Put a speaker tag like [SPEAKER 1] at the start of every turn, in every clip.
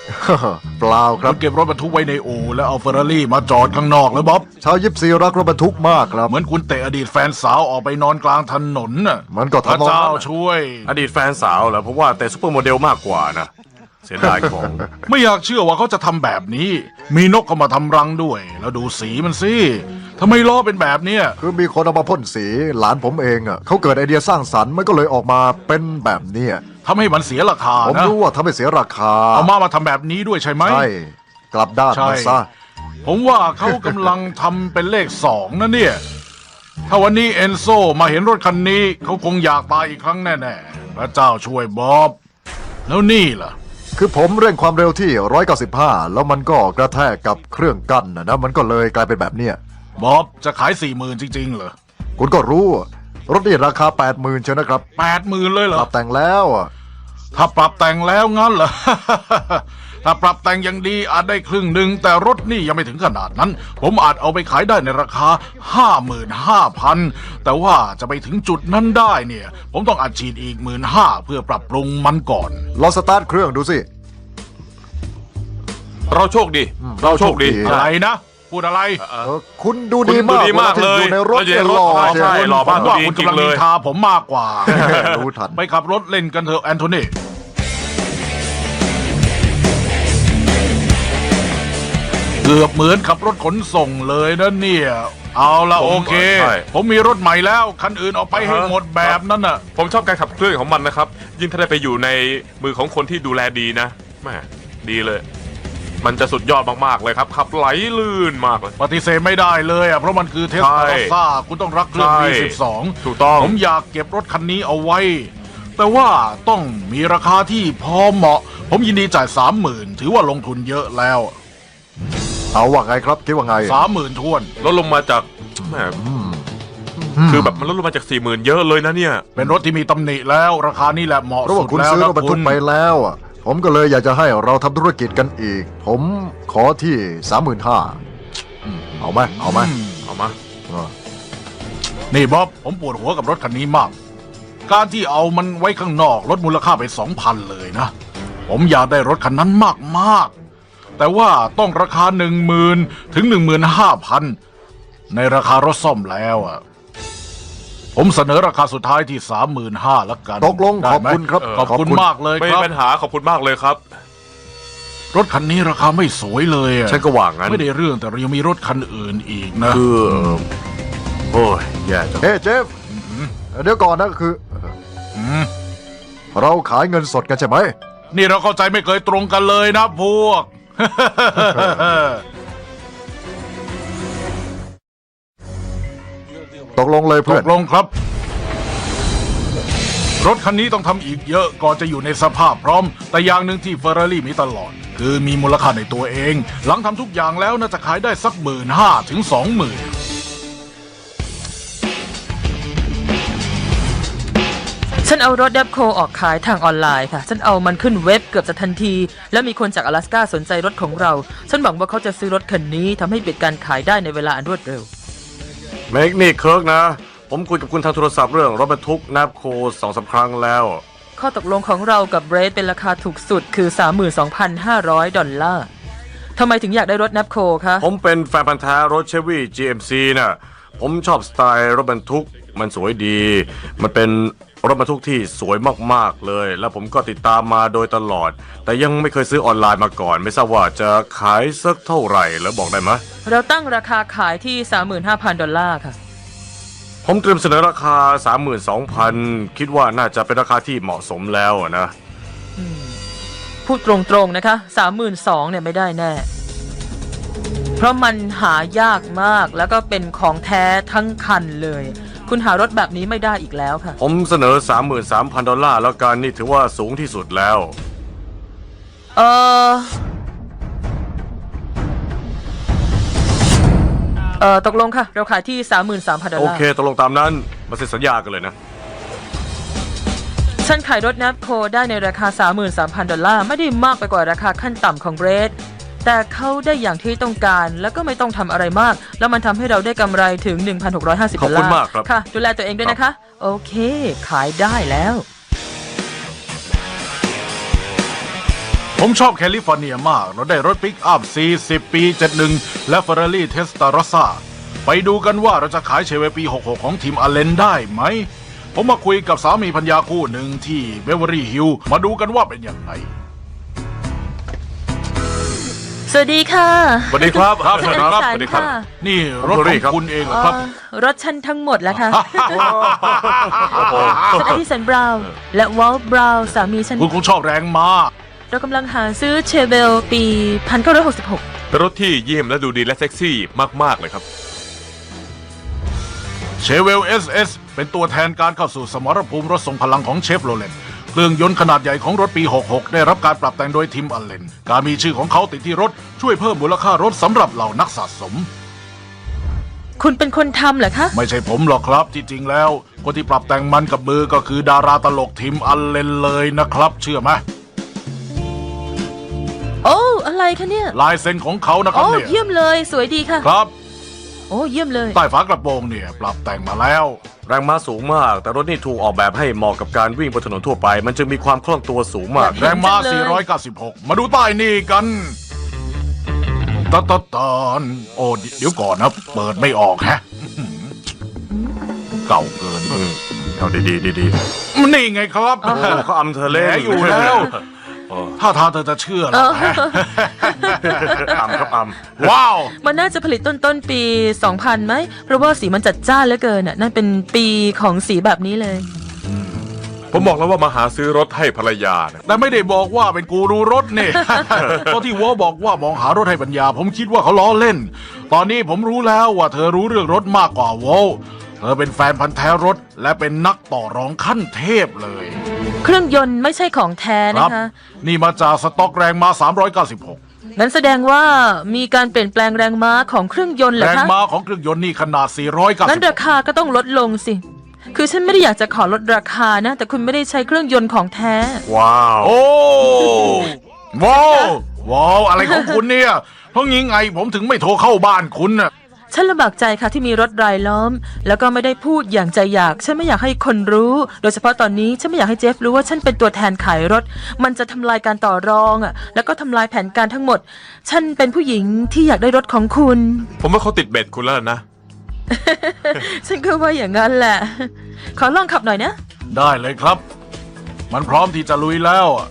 [SPEAKER 1] เปล่าครับ
[SPEAKER 2] คุณเก็บรถบรรทุกไว้ในอู่แล้วเอาเฟอร์รารี่มาจอดข้างนอกเลยบ๊อบ
[SPEAKER 1] ชาวยิปซีรักรถบรรทุกมากครับ
[SPEAKER 2] เหมือนคุณเตะอดีตแฟนสาวออกไปนอนกลางถนนน่ะ
[SPEAKER 1] มันก็
[SPEAKER 2] พระ
[SPEAKER 1] ทำนอง
[SPEAKER 2] เจ้า
[SPEAKER 1] นั้น
[SPEAKER 2] ช่วย
[SPEAKER 3] อดีตแฟนสาวเหรอผมว่าแต่ซุปเปอร์โมเดลมากกว่านะ เสียดายของ
[SPEAKER 2] ไม่อยากเชื่อว่าเขาจะทำแบบนี้ มีนกเข้ามาทำรังด้วย แล้วดูสีมันสิทำไมล้อเป็นแบบเนี้ย
[SPEAKER 1] คือมีคนเอามาพ่นสีหลานผมเองอ่ะเขาเกิดไอเดียสร้างสรรค์มันก็เลยออกมาเป็นแบบเนี้ย
[SPEAKER 2] ทำให้มันเสียราคา
[SPEAKER 1] ผม
[SPEAKER 2] นะ
[SPEAKER 1] รู้ว่าทำให้เสียราคา
[SPEAKER 2] เอามาทำแบบนี้ด้วยใช่ไหม
[SPEAKER 1] ใช่กลับด้าน
[SPEAKER 2] ใช่
[SPEAKER 1] มาซะ
[SPEAKER 2] ผมว่าเขากำลังทำเป็นเลข2นะเนี่ย ถ้าวันนี้เอนโซมาเห็นรถคันนี้เขาคงอยากตายอีกครั้งแน่ๆพระเจ้าช่วยบ๊อบ แล้วนี่ล่ะ
[SPEAKER 1] คือผมเร่งความเร็วที่195แล้วมันก็กระแทกกับเครื่องกั้นนะมันก็เลยกลายเป็นแบบเนี้ย
[SPEAKER 2] บ๊อบจะขาย40,000จริงๆเหรอ
[SPEAKER 1] คุณก็รู้รถนี่ราคา 80,000เชียวนะครับ
[SPEAKER 2] 80,000เลยเหร
[SPEAKER 1] ป
[SPEAKER 2] อ
[SPEAKER 1] รับแต่งแล้วอะ
[SPEAKER 2] ถ้าปรับแต่งแล้วงั้นเหรอ ถ้าปรับแต่งอย่างดีอาจได้ครึ่งหนึ่งแต่รถนี่ยังไม่ถึงขนาดนั้น ผมอาจเอาไปขายได้ในราคา 55,000 แต่ว่าจะไปถึงจุดนั้นได้เนี่ย ผมต้องอัดฉีดอีก15,000เพื่อปรับปรุงมันก่อน
[SPEAKER 1] ลองสตาร์ทเครื่องดูสิ
[SPEAKER 3] เราโชคดี เราโชคดี
[SPEAKER 2] อะไรนะ พูดอะไร
[SPEAKER 1] คุณดู
[SPEAKER 3] คุณ
[SPEAKER 1] ดี
[SPEAKER 3] ดู
[SPEAKER 1] มาก
[SPEAKER 3] ดีมาก
[SPEAKER 1] วที่
[SPEAKER 3] เลย
[SPEAKER 1] อยู่ในรถ
[SPEAKER 3] เราอยู่ในรถ
[SPEAKER 1] หล่อ
[SPEAKER 3] ใช่
[SPEAKER 1] เชียว
[SPEAKER 3] หล่อ
[SPEAKER 2] ผม
[SPEAKER 3] มาก
[SPEAKER 2] ว่า
[SPEAKER 3] ดี
[SPEAKER 2] คุณ
[SPEAKER 3] จริง
[SPEAKER 2] กำลัง
[SPEAKER 3] เล
[SPEAKER 2] นิ
[SPEAKER 3] ย
[SPEAKER 2] นทาผมมากกว่า
[SPEAKER 1] รู้ทัน
[SPEAKER 2] ไปขับรถเล่นกันเถอะแอนโทนีเกือบเหมือนขับรถขนส่งเลยนะเนี่ย เอาละโอเค
[SPEAKER 3] ใช่
[SPEAKER 2] ผมมีรถใหม่แล้ว คันอื่นเอาไปให้หมดแบบนั้นน่ะ
[SPEAKER 3] ผมชอบการขับเคลื่อนของมันนะครับ ยิ่งถ้าได้ไปอยู่ในมือของคนที่ดูแลดีนะแม่ดีเลย มันจะสุดยอดมากๆเลยครับ ขับไหลลื่นมากเลย
[SPEAKER 2] ปฏิเสธไม่ได้เลยอ่ะเพราะมันคือเทส
[SPEAKER 3] ใช่
[SPEAKER 2] ลาซ่าคุณต้องรักเครื่อง
[SPEAKER 3] ใช่
[SPEAKER 2] V12
[SPEAKER 3] ถูกต้อง
[SPEAKER 2] ผมอยากเก็บรถคันนี้เอาไว้ แต่ว่าต้องมีราคาที่พอเหมาะ ผมยินดีจ่าย 30,000 ถือว่าลงทุนเยอะแล้ว
[SPEAKER 1] เอาว่าไงครับคิดว่าไง
[SPEAKER 2] 30,000ท้วน
[SPEAKER 3] ลดลงมาจากแหมคือแบบมันลดลงมาจาก 40,000 เยอะเลยนะเนี่ย
[SPEAKER 2] เป็นรถที่มีตำหนิแล้ว ราคานี่แหละเหมาะ
[SPEAKER 1] เพราะ
[SPEAKER 2] สุ
[SPEAKER 1] ว่า
[SPEAKER 2] ด
[SPEAKER 1] คุณ
[SPEAKER 2] แล้ว
[SPEAKER 1] ซื้อ
[SPEAKER 2] นะ
[SPEAKER 1] รถบรร
[SPEAKER 2] คุ
[SPEAKER 1] ทุก
[SPEAKER 2] ณ
[SPEAKER 1] ไปแล้วอะผมก็เลยอยากจะให้เราทำธุรกิจกันอีก ผมขอที่ 35,000เอาไหมเอาไหม
[SPEAKER 3] เอามา
[SPEAKER 1] เออ
[SPEAKER 2] นี่บ๊อบผมปวดหัวกับรถคันนี้มาก การที่เอามันไว้ข้างนอกลดมูลค่าไป 2,000 เลยนะ ผมอยากได้รถคันนั้นมากๆ แต่ว่าต้องราคา 10,000 ถึง 15,000 ในราคารถซ่อมแล้วอ่ะ ผมเสนอราคาสุดท้ายที่ 35,000แล้วกัน
[SPEAKER 1] ตกลง
[SPEAKER 2] ได้
[SPEAKER 1] ขอบ
[SPEAKER 2] ไหม
[SPEAKER 1] คุณครับ
[SPEAKER 2] ขอบคุณมากเลย
[SPEAKER 3] ไม่
[SPEAKER 2] ค
[SPEAKER 3] มี
[SPEAKER 2] รับ
[SPEAKER 3] ปัญหาขอบคุณมากเลยครับ
[SPEAKER 2] รถคันนี้ราคาไม่สวยเลยอะ
[SPEAKER 3] ฉันก็ว่างั้น
[SPEAKER 2] ไม่ได้เรื่องแต่เรายังมีรถคันอื่นอีกนะ
[SPEAKER 3] คือโอ้ยแย่จัง
[SPEAKER 1] เฮ้เจฟเดี๋ยวก่อนนะคือ
[SPEAKER 2] ม
[SPEAKER 1] เราขายเงินสดกันใช่ไหม
[SPEAKER 2] นี่เราเข้าใจไม่เคยตรงกันเลยนะพวก
[SPEAKER 1] ตกลงเลย
[SPEAKER 2] ต
[SPEAKER 1] เพื่อน
[SPEAKER 2] กลงครับ รถคันนี้ต้องทำอีกเยอะก่อนจะอยู่ในสภาพพร้อม แต่อย่างหนึ่งที่เฟอร์รารี่มีตลอด คือมีมูลค่าในตัวเอง หลังทำทุกอย่างแล้วน่าจะขายได้สัก15,000 ถึง 20,000
[SPEAKER 4] ฉันเอารถดับโคออกขายทางออนไลน์ค่ะ ฉันเอามันขึ้นเว็บเกือบจะทันที แล้วมีคนจาก阿拉斯ก้าสนใจรถของเรา ฉันหวังว่าเขาจะซื้อรถคันนี้ทำให้ปิดการขายได้ในเวลาอันรวดเร็ว
[SPEAKER 3] เมกนี่เคิร์กนะ ผมคุยกับคุณทางโทรศัพท์เรื่องรถบรรทุกนับโค2-3 ครั้งแล้ว
[SPEAKER 4] ข้อตกลงของเรากับเบรดเป็นราคาถูกสุดคือ $32,500 ทำไมถึงอยากได้รถนับโคคะ
[SPEAKER 3] ผมเป็นแฟนพันธ์แท้รถเชฟวี่ GMC น่ะ ผมชอบสไตล์รถบรรทุก มันสวยดี มันเป็นรถบรรทุกที่สวยมากๆเลย แล้วผมก็ติดตามมาโดยตลอด แต่ยังไม่เคยซื้อออนไลน์มาก่อน ไม่ทราบว่าจะขายสักเท่าไหร่แล้วบอกได้ไหม
[SPEAKER 4] เราตั้งราคาขายที่ $35,000 ค่ะ
[SPEAKER 3] ผมเตรียมเสนอราคา 32,000 คิดว่าน่าจะเป็นราคาที่เหมาะสมแล้วนะ
[SPEAKER 4] พูดตรงๆนะคะ 32,000เนี่ยไม่ได้แน่ เพราะมันหายากมากแล้วก็เป็นของแท้ทั้งคันเลย คุณหารถแบบนี้ไม่ได้อีกแล้วค่ะ
[SPEAKER 3] ผมเสนอ $33,000 แล้วกันนี่ถือว่าสูงที่สุดแล้ว
[SPEAKER 4] เอตกลงค่ะ เราขายที่ $33,000
[SPEAKER 3] โอเคตกลงตามนั้นมาเซ็นสัญญากันเลยนะ
[SPEAKER 4] ฉันขายรถนับโคได้ในราคา $33,000 ไม่ได้มากไปกว่าราคาขั้นต่ำของเบรดแต่เขาได้อย่างที่ต้องการแล้วก็ไม่ต้องทำอะไรมาก แล้วมันทำให้เราได้กำไรถึง $1,650
[SPEAKER 3] ขอบคุณมากครับ
[SPEAKER 4] ค่ะ ดูแลตัวเองด้วยนะคะ โอเค ขายได้แล้ว
[SPEAKER 2] ผมชอบแคลิฟอร์เนียมาก เราได้รถปิกอัพ 40 ปี 71 และ Ferrari Testarossa ไปดูกันว่าเราจะขายเชเวปี 66 ของทีมอเลนได้ไหม ผมมาคุยกับสามีภรรยาคู่หนึ่งที่เบเวอรี่ฮิลล์มาดูกันว่าเป็นยังไง
[SPEAKER 4] สวัสดีค่ะ
[SPEAKER 3] สวัสดีครับ
[SPEAKER 4] ฉันอัญชันค่ะ
[SPEAKER 2] นี่รถของคุณเองเหรอครับ
[SPEAKER 4] รถฉันทั้งหมดแล้วค่ะฉันอดิสันบราวน์และวอลต์บราวน์สามีฉัน
[SPEAKER 2] คุณคงชอบแรงมา
[SPEAKER 4] เรากำลังหาซื้อเชเวลปี 1966
[SPEAKER 5] เป็นรถที่เยี่ยมและดูดีและเซ็กซี่มากๆเลยครับ
[SPEAKER 2] เชเวล SS เป็นตัวแทนการเข้าสู่สมรภูมิรถทรงพลังของเชฟโรเลตเครื่องยนต์ขนาดใหญ่ของรถปี 66 ได้รับการปรับแต่งโดยทีมอลเลนการมีชื่อของเขาติดที่รถช่วยเพิ่มมูลค่ารถสำหรับเหล่านักสะสม
[SPEAKER 4] คุณเป็นคนทำเหรอคะ
[SPEAKER 2] ไม่ใช่ผมหรอกครับที่จริงแล้วคนที่ปรับแต่งมันกับมือก็คือดาราตลกทีมอลเลนเลยนะครับ เชื่อไหม
[SPEAKER 4] โอ้อะไรคะเนี่ย
[SPEAKER 2] ลายเซ็นของเขานะครับ
[SPEAKER 4] โอ้
[SPEAKER 2] เนี่ย
[SPEAKER 4] เยี่ยมเลยสวยดีค่ะ
[SPEAKER 2] ครับ
[SPEAKER 4] โอ้เยี่ยมเลย
[SPEAKER 2] ใต้ฝากระโปรงเนี่ยปรับแต่งมาแล้ว
[SPEAKER 3] แรงม้าสูงมาก แต่รถนี่ถูกออกแบบให้เหมาะกับการวิ่งบนถนนทั่วไป มันจึงมีความคล่องตัวสูงมาก
[SPEAKER 2] แรงม้า
[SPEAKER 4] จังเลย
[SPEAKER 2] 496 มาดูใต้นี่กันตอนโอ้เดี๋ยวก่อนนะ เปิดไม่ออกแฮะ เก่าเกิน
[SPEAKER 3] เอาดีๆดี
[SPEAKER 2] นี่ไงครับ
[SPEAKER 3] ๆเขาอำเธอ
[SPEAKER 2] แหล
[SPEAKER 3] เล่น
[SPEAKER 2] อยู่แล้ว ถ้าทางเธอจะเชื่อแล้วแฮะ
[SPEAKER 3] อำครับอำ
[SPEAKER 2] ว้าว
[SPEAKER 4] มันน่าจะผลิตต้นปี 2000ไหมเพราะว่าสีมันจัดจ้านเหลือเกินน่ะนั่นเป็นปีของสีแบบนี้เลย
[SPEAKER 5] ผมบอกแล้วว่ามาหาซื้อรถให้ภรรยานะ
[SPEAKER 2] แต่ไม่ได้บอกว่าเป็นกูรูรถนี่ เพราะที่วอบอกว่ามองหารถให้ปัญญา ผมคิดว่าเขาล้อเล่น ตอนนี้ผมรู้แล้วว่าเธอรู้เรื่องรถมากกว่าวอเธอเป็นแฟนพันธ์แท้รถ และเป็นนักต่อรองขั้นเทพเลย
[SPEAKER 4] เครื่องยนต์ไม่ใช่ของแท้
[SPEAKER 2] ครั
[SPEAKER 4] นะคะ
[SPEAKER 2] นี่มาจากสต็อกแรงม้า396
[SPEAKER 4] งั้นแสดงว่ามีการเปลี่ยนแปลงแรงม้าของเครื่องยนต์เหรอ
[SPEAKER 2] แรง
[SPEAKER 4] คะ
[SPEAKER 2] ม้าของเครื่องยนต์นี่ขนาด
[SPEAKER 4] งั้นรา
[SPEAKER 2] 496
[SPEAKER 4] คาก็ต้องลดลงสิ คือฉันไม่ได้อยากจะขอลดราคานะ แต่คุณไม่ได้ใช้เครื่องยนต์ของแท้
[SPEAKER 3] ว้าว
[SPEAKER 2] โอ้ว้าวว้าวอะไรของคุณเนี่ย เพราะงี้ไงผมถึงไม่โทรเข้าบ้านคุณน่ะ
[SPEAKER 4] ฉันลำบากใจค่ะที่มีรถรายล้อม แล้วก็ไม่ได้พูดอย่างใจอยาก ฉันไม่อยากให้คนรู้ โดยเฉพาะตอนนี้ฉันไม่อยากให้เจฟรู้ว่าฉันเป็นตัวแทนขายรถ มันจะทำลายการต่อรองอ่ะ แล้วก็ทำลายแผนการทั้งหมด ฉันเป็นผู้หญิงที่อยากได้รถของคุณ
[SPEAKER 5] ผมว่าเขาติดเบ็ดคุณแล้วนะ
[SPEAKER 4] ฉันก็ว่าอย่างนั้นแหละ ขอลองขับหน่อยนะ
[SPEAKER 2] ได้เลยครับ มันพร้อมที่จะลุยแล้วอะ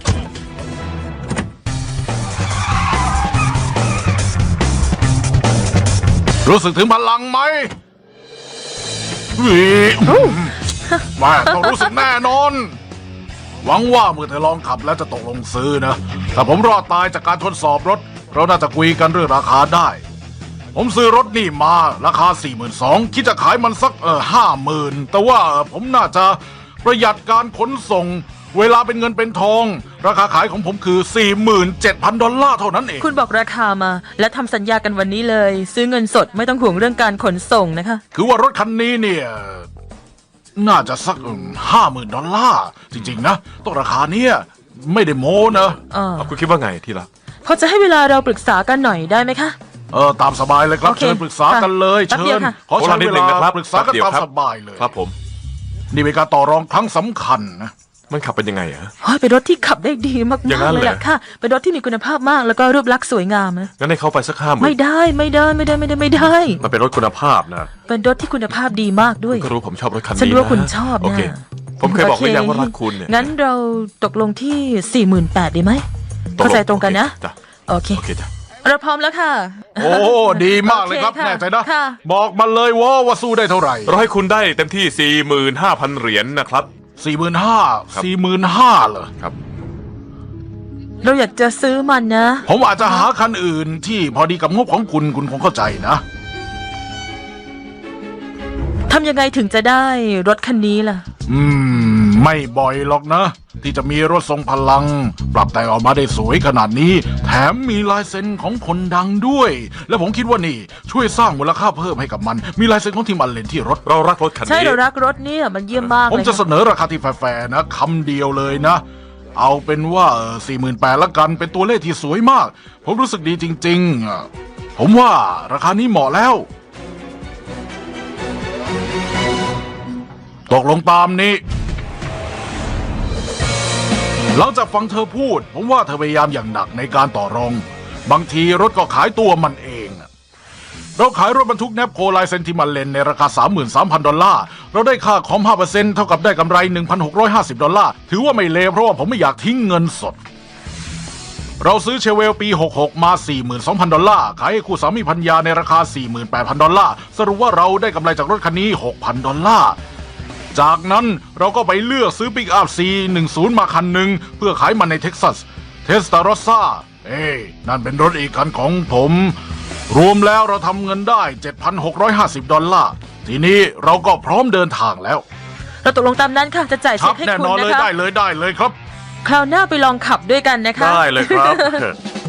[SPEAKER 2] รู้สึกถึงพลังไหมวิแม่ต้องรู้สึกแน่นอน หวังว่าเมื่อเธอลองขับแล้วจะตกลงซื้อนะถ้าผมรอดตายจากการทดสอบรถ เราน่าจะคุยกันเรื่องราคาได้ ผมซื้อรถนี่มาราคา 42,000 คิดจะขายมันสัก50,000 แต่ว่าผมน่าจะประหยัดการขนส่ง เวลาเป็นเงินเป็นทอง ราคาขายของผมคือ $47,000 เท่านั้นเอง
[SPEAKER 4] คุณบอกราคามา และทำสัญญากันวันนี้เลย ซื้อเงินสดไม่ต้องห่วงเรื่องการขนส่งนะคะ
[SPEAKER 2] คือว่ารถคันนี้เนี่ยน่าจะสัก$50,000 จริงๆนะต้องราคาเนี้ยไม่ได้โม้นะ
[SPEAKER 5] เอาคุณคิดว่าไงที่รัก
[SPEAKER 4] พอจะให้เวลาเราปรึกษากันหน่อยได้ไหมคะ
[SPEAKER 2] ตามสบายเลยครับ
[SPEAKER 4] โอเค
[SPEAKER 2] เชิญปรึกษากันเลย
[SPEAKER 4] แป๊บ
[SPEAKER 2] เชิ
[SPEAKER 4] เดียว
[SPEAKER 2] ญ
[SPEAKER 4] ค่ะ
[SPEAKER 2] ขอใช้
[SPEAKER 5] นิด
[SPEAKER 2] เว
[SPEAKER 5] นึง
[SPEAKER 2] ลา
[SPEAKER 5] นะครับ
[SPEAKER 2] ปรึกษากัน
[SPEAKER 5] แป๊บเดียว
[SPEAKER 2] ตาม
[SPEAKER 5] ครับ
[SPEAKER 2] สบายเลย
[SPEAKER 5] ครับผม
[SPEAKER 2] นี่เป็นการต่อรองครั้งสำคัญนะ
[SPEAKER 5] มันขับเป็นยังไงอะ
[SPEAKER 4] โอ้ยเป็นรถที่ขับได้ดีมาก
[SPEAKER 5] อย่างนั้
[SPEAKER 4] ๆ
[SPEAKER 5] น
[SPEAKER 4] เลย
[SPEAKER 5] เหรอ
[SPEAKER 4] ล่ะค่ะ เป็นรถที่มีคุณภาพมากแล้วก็รูปลักษณ์สวยงามนะ
[SPEAKER 5] งั้นให้เขาไปสัก50,000
[SPEAKER 4] ไม่ได้ไม่ได้ไม่ได้ไม่ได้ไม่ได้
[SPEAKER 3] มันเป็นรถคุณภาพนะ
[SPEAKER 4] เป็นรถที่คุณภาพดีมากด้วย
[SPEAKER 5] ก็รู้ผมชอบรถคันนี้
[SPEAKER 4] ฉันรู้ว่าคุณชอบ
[SPEAKER 5] โอ
[SPEAKER 4] นะ
[SPEAKER 5] เค ผมเคยบอกหรือยังว่ารักคุณเนี่ย
[SPEAKER 4] งั้นเราตกลงที่ 48,000ดีไหมเข้าใจตรงกันนะ
[SPEAKER 5] จ้ะ
[SPEAKER 4] โอเค
[SPEAKER 5] โอเคจ้ะ
[SPEAKER 4] เราพร้อมแล้วค่ะ
[SPEAKER 2] โอ้ดีมากเลยครับ
[SPEAKER 4] โอเคค่ะ
[SPEAKER 2] แน่ใจนะ
[SPEAKER 4] ค่ะ
[SPEAKER 2] บอกมาเลยว่าสู้ได้เท่าไหร่
[SPEAKER 5] เราให้คุณได้เต็มที่ 45,000 เหรียญนะครับ
[SPEAKER 2] 45,000เหรอ
[SPEAKER 5] ครับ
[SPEAKER 4] เราอยากจะซื้อมันนะ
[SPEAKER 2] ผมอาจจะหาคันอื่นที่พอดีกับงบของคุณคงเข้าใจนะ
[SPEAKER 4] ทำยังไงถึงจะได้รถคันนี้ล่ะ
[SPEAKER 2] ไม่บ่อยหรอกนะ ที่จะมีรถทรงพลัง ปรับแต่งออกมาได้สวยขนาดนี้ แถมมีลายเซ็นของคนดังด้วย และผมคิดว่านี่ช่วยสร้างมูลค่าเพิ่มให้กับมัน มีลายเซ็นของทีมอัลเลนที่รถ
[SPEAKER 5] เรารักรถคัน
[SPEAKER 4] ใช่
[SPEAKER 5] นี้
[SPEAKER 4] เรารักรถเนี่ยมันเยี่ยมมาก
[SPEAKER 2] ผม
[SPEAKER 4] เลย
[SPEAKER 2] จะเสนอราคาที่แฟร์ๆนะคำเดียวเลยนะ เอาเป็นว่า48,000ละกันเป็นตัวเลขที่สวยมาก ผมรู้สึกดีจริงๆผมว่าราคานี้เหมาะแล้ว ตกลงตามนี้หลังจากฟังเธอพูด ผมว่าเธอพยายามอย่างหนักในการต่อรอง บางทีรถก็ขายตัวมันเองน่ะเราขายรถบรรทุกแนปโคไลเซนติมันเลนในราคา 33,000 ดอลลาร์ เราได้ค่าคอม 5% เท่ากับได้กำไร 1,650 ดอลลาร์ ถือว่าไม่เลวเพราะว่าผมไม่อยากทิ้งเงินสด เราซื้อเชเวลปี 66 มา 42,000 ดอลลาร์ ขายให้คู่สามีภรรยาในราคา 48,000 ดอลลาร์ สรุปว่าเราได้กำไรจากรถคันนี้ 6,000 ดอลลาร์ จากนั้นเราก็ไปเลือกซื้อปิกอัพ C10 มาคันหนึ่งเพื่อขายมันในเท็กซัส เทสตาโรซ่านั่นเป็นรถอีกคันของผม รวมแล้วเราทำเงินได้ 7,650 ดอลลาร์ ทีนี้เราก็พร้อมเดินทางแล้ว
[SPEAKER 4] เราตกลงตามนั้นค่ะจะจ่าย
[SPEAKER 2] ครั
[SPEAKER 4] เช็
[SPEAKER 2] บ
[SPEAKER 4] คให้
[SPEAKER 2] แน่
[SPEAKER 4] คุณ
[SPEAKER 2] นอนเลย
[SPEAKER 4] นะคะ
[SPEAKER 2] ได้เลยครับ
[SPEAKER 4] คราวหน้าไปลองขับด้วยกันนะคะ
[SPEAKER 3] ได้เลยครับ